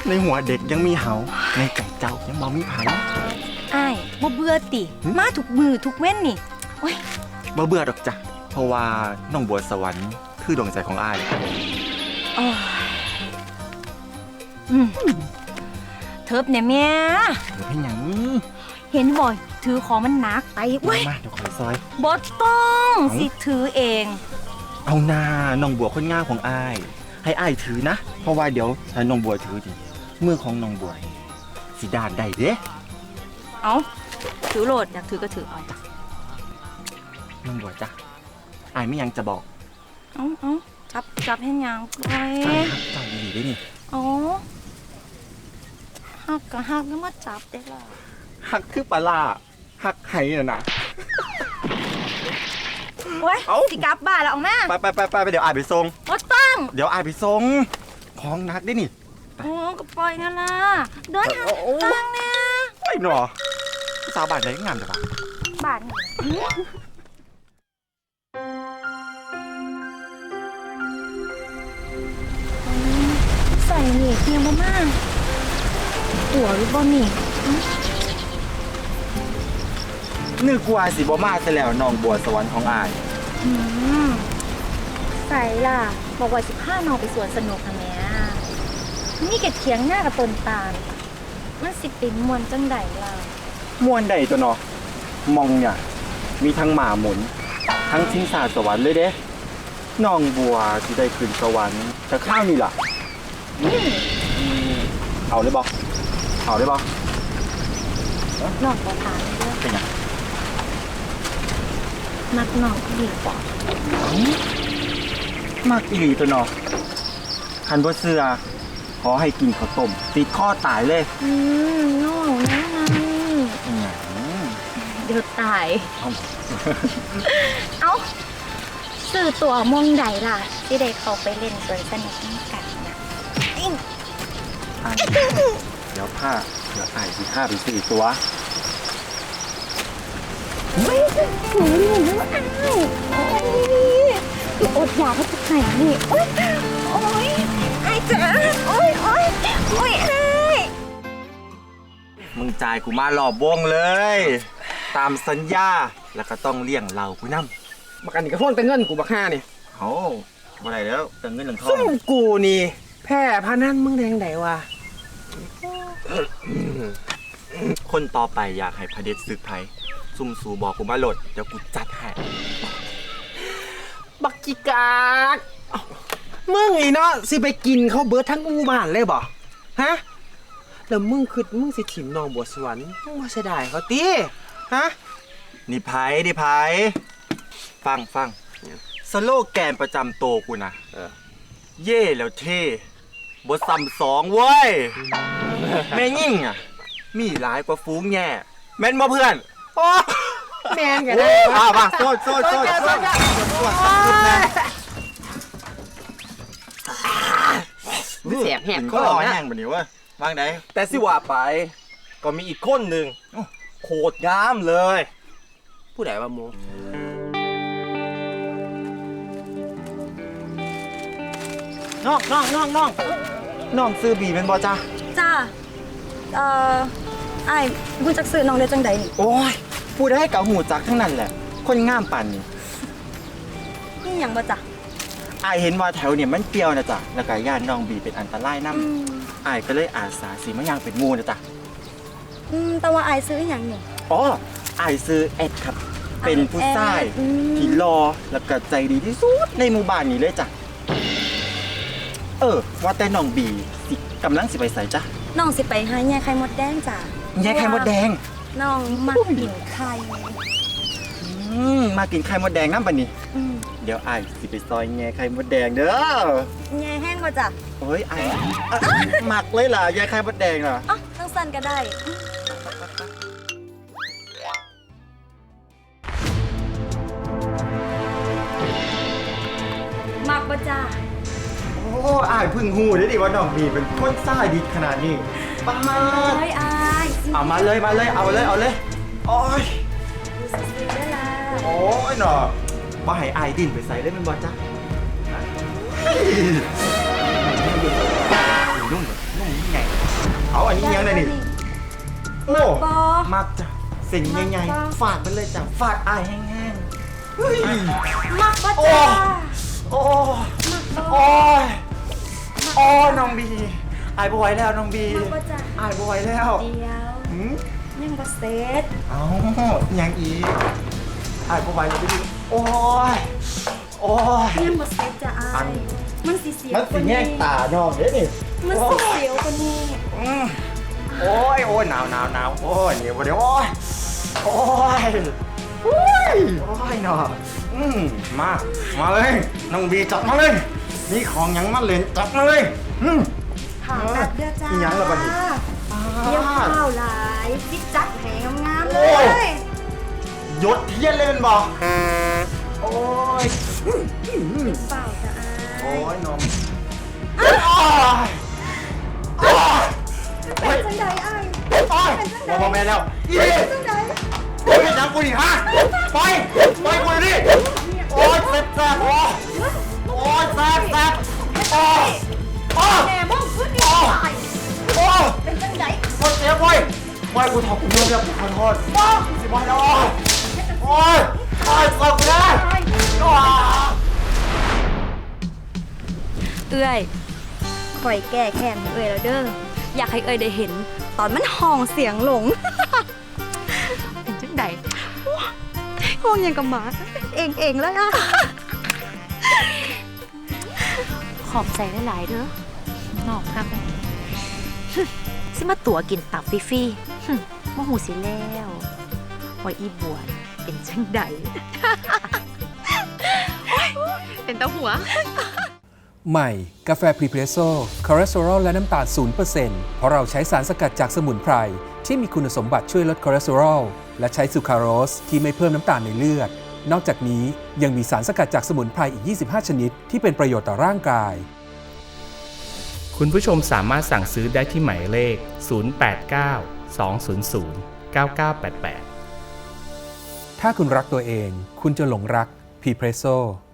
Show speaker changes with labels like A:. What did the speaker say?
A: ในหัวเด็กยังมีเหาในใจเจ้ายังมองมีไผ
B: อ้ายบ่เบื่อติมาทุกมือทุกเว้นนี่โอ้ย
A: บ่เบื่อดอกจ้ะเพราะว่าน้องบัวสวรรค์คือดวงใจของอ้าย
B: อ๋อเทิบเนี่ยแม่
A: เดี๋ยวให้หยัง
B: เห็นบ่อยถือของมันหนักไปเว้ย
A: มาเดี๋ยวขอซอย
B: บ่ต้องสิถือเอง
A: เอาหน้าน้องบัวคนง่ายของอ้ายให้อ้ายถือนะเพราะว่าเดี๋ยวถ้าน้องบัวถือดิมือของน้องบัวสิด้านได้เด้
B: เอาถือโหลดอยากถือก็ถือเอา
A: น้องบัวจ้ะอ้ายไม่ยังจะบอก
B: เอาจับให้ยังไป
A: จับดีได้นี่
B: อ๋อหักก็หักแล้วมาจับได้ล่ะ
A: หักคือปลาล่าหักไห้น่ะนะ
B: โอ้ยสิกลับบ้านแล้วออกมา
A: ไปเดี๋ยวอ้ายไปส่ง
B: บ่ต้อง
A: เดี๋ยวอ้ายไปส่งของนักได้นี่
B: โอ้ก็ปล่อยนั่นล่ะเดินทางเนี่ย
A: ไปหนอสาวบ้านไหนงามจังวะ
B: บ้านใส่เหล็กเทียมมากหัวหรือบ่นี่
A: นึกว่าสิบ่มาซะแล้วน้องบัวสวรรค์ของอ้าย
B: ใส่ล่ะบอกว่า15 น้องไปสวนสนุกค่ะแม่นี่เก็บเถียงหน้ากับต้นตาลมันสิเป็นมวนจังใดล่ะ
A: ม่วนใดตัวเนาะมองเนี่ยมีทั้งหมาหมุนทั้งทิ้งสาสวรรค์เลยเด้น้องบัวสิได้ขึ้นสวรรค์แต่ข้าวนี่ล่ะเอาเลยบ่เอาเลยบ่
B: น้องบ่ถามเด้อ
A: เป็นหยัง
B: มักน้องอีหลีบ่
A: มักอีหลีตัวเนาะคันบ่เชื่อขอให้กินข้าวต้มติดข้อตายเลย
B: น้องนั่นเดี๋ยวตายเอ้าซื้อตัวมองใดล่ะที่ได้เข้าไปเล่นสวนสนุกกันนะ
A: เดี๋ยวอ้ายสิพาไปซื้อตัว
B: ไม่ถึงหูนี่หรือว่าอ้าวอดอยากให้จะไหนนี่โอ๊ยไอ้จ๋าโอ๊ยไอ้
A: มึงจ่ายกูมารอบวงเลยตามสัญญาแล้วก็ต้องเลี้ยงเรากูนำ
C: บักอันนี้ก็ทวงแต่เงินกูบักห้านี่
A: โอ้บ่ได้แล้วแต่เงินหลังทอง
C: ซุ่มกูนี่แพ้พนันมึงแดงไหนวะ
A: คนต่อไปอยากให้พระเดชศึกไผซุ่มสูบอกกูมาโหลดเดี๋ยวกูจัดให้
C: บักจิกากมึงอีเนาะสิไปกินเขาเบิร์ดทั้งอูบ้านเลยบ่ฮะแล้วมึงสิถิ่มน้องบัวสวรรค์มึงว่าเสียดายเขาตีฮะ
A: นี่ไผฟังสโลแกนประจำโตกูนะเย่แล้วเท่บ่ซ้ำสองเว้ยแม่ยิ่งอ่ะมีหลายกว่าฟูงแง่แม่นบ่เพื่อนโอ้
C: แม่นกันได้
A: ป่ะโซด
C: เสียบแหบ
A: ก็รอแห้งแบบนี้วะวางไหน
D: แต่สิว่าไปก็มีอีกคนหนึ่งโคตรงามเลย
C: ผู้ใดว่าโม
A: น้องซื้อบีเป็นบ่จ้า
B: ไอ้กูจักซื้อน้องได้จังใดนี่
A: โอ้ยพูดได้กับหูจักทั้งนั้นแหละคนงามปั่น
B: นี่หยังบ่จ้ะ
A: ไอเห็นว่าแถวเนี่ยมันเปรี้ยวนะจ๊ะแล้วก็ย่านน้องบีเป็นอันตรายน้ำไอก็เลยอาสาสีมะยางเป็นงูนะจ๊ะ
B: แต่ว่าไอ้ซื้อหยังนี่
A: อ๋อไอซื้อเอ็ดครับเป็นผู้ชายที่รอแล้วก็ใจดีที่สุดในหมู่บ้านนี้เลยจ้ะว่าแต่น้องบีกำลังสิไปใส่จ้ะ
B: น้องสิไปหาแย่ไข่มดแดงจ้ะ
A: แย่ไข่มดแดง
B: น้องมากินไข่
A: มากินไข่มดแดงน้ำปะนี่เดี๋ยวไอสิไปซอยแย่ไข่มดแดงเด้อ
B: แย่แห้งมาจ้ะ
A: เฮ้ยไอหมักเลยล่ะแย่ไข่มดแดงล่ะ
B: ต้องสั่นก็ได้หมักบ่จ้ะ
A: โอ้อายพึ่งหูได้ดิว่าน้องบีเป็นคนซ่าดีขนาดนี้ป้าเอามาเลยเอาเลยโอ้ยโอ้ยหนอบ่ให้อายดินไปใส่ได้เป็นบ่จ้ะนุ่มไงเอาอันนี้ยังไงนี่โอ้
B: บอ
A: มักจ้ะสิ่งใหญ่ๆฝากไปเลยจ้ะฝากอายแห้งๆเฮ้ย
B: มักบ่จ้า
A: โอ้โอ้ยโอ้น้องบีอายบ่ไหวแล้วน้องบี
B: มักบ่จ้า
A: อายบ่ไหวแล้ว
B: เดียว
A: หืม
B: ยังบ่เสร็จ
A: เอายังอีกอายบ่ไหวแล้วพี่โอ้ยโอ้ย
B: ยังบ่เสร็จจ้ะอา
A: อั
B: ย
A: น
B: มันสิเสียว
A: มันสิแง่งตาน้องเด้นี่
B: มัน
A: โอ้
B: สิ
A: ย
B: เสียวกว่านี้
A: โอ้ยโอ้ยหนาวโอ้ยเหนียวเดี๋ยวโอ้ยโอ้ยโอ้ยโอ้ยเนาะมาเลยน้องบีจัดมาเลยนี่ของหยังมาเล่นจัดมาเลย
B: ถามแบบเด้อจ้า
A: อิหยังล่ะบัดนี้
B: เดี๋ยวข้าวหลายจิกจัดแหงงามๆเล
A: โอ้
B: ย
A: ยศเทียนเลยมันบอกโอ้ย
B: เปล่าจ้ะอา
A: โอ้
B: ย
A: ยน้องโอ้ยโอ้ย
B: เป็นจังใดอ้าย
A: โอ้ยบอกแม่แล้วอี
B: เป็นจังใด
A: โอ้ยยังกูดิฮะไปกูดิโอ้ยแซ่บโอ้ยโอ้ยแซ่บโอ้ยโอ้ย
B: แม่มึงขึ้นนี่ตาย
A: โอ้ย
B: เป็นจังใด
A: คนเสียไปกูถอดกูเรื่องกูขอโทษบ้าสิบอยแล้วโอ้ยโอ้ยเสิร์ฟกูได้โอ้ย
E: เอ้ยข่อยแก้แค้นให้เอ้ยแล้วเด้อ อยากให้เอ้ยได้เห็น ตอนมันห้องเสียงหลง เป็นจังใดว้าห้องยังกับหมา เองเลยอ่ะ
F: ขอบใจหลายๆเด้อ นอกครับแม่ สิมาตั๋วกินตับฟรีๆบ่หูสิแล้วว่าอีบัวเป็นจังใด เป็นตาหัว
G: ใหม่กาแฟพรีเพรสโซ่คอเลสเตอรอลและน้ำตาล 0% เพราะเราใช้สารสกัดจากสมุนไพรที่มีคุณสมบัติช่วยลดคอเลสเตอรอลและใช้ซูคราโรสที่ไม่เพิ่มน้ำตาลในเลือด นอกจากนี้ยังมีสารสกัดจากสมุนไพรอีก 25 ชนิดที่เป็นประโยชน์ต่อร่างกาย
H: คุณผู้ชมสามารถสั่งซื้อได้ที่หมายเลข 089 200 9988
G: ถ้าคุณรักตัวเอง คุณจะหลงรักพรีเพรสโซ่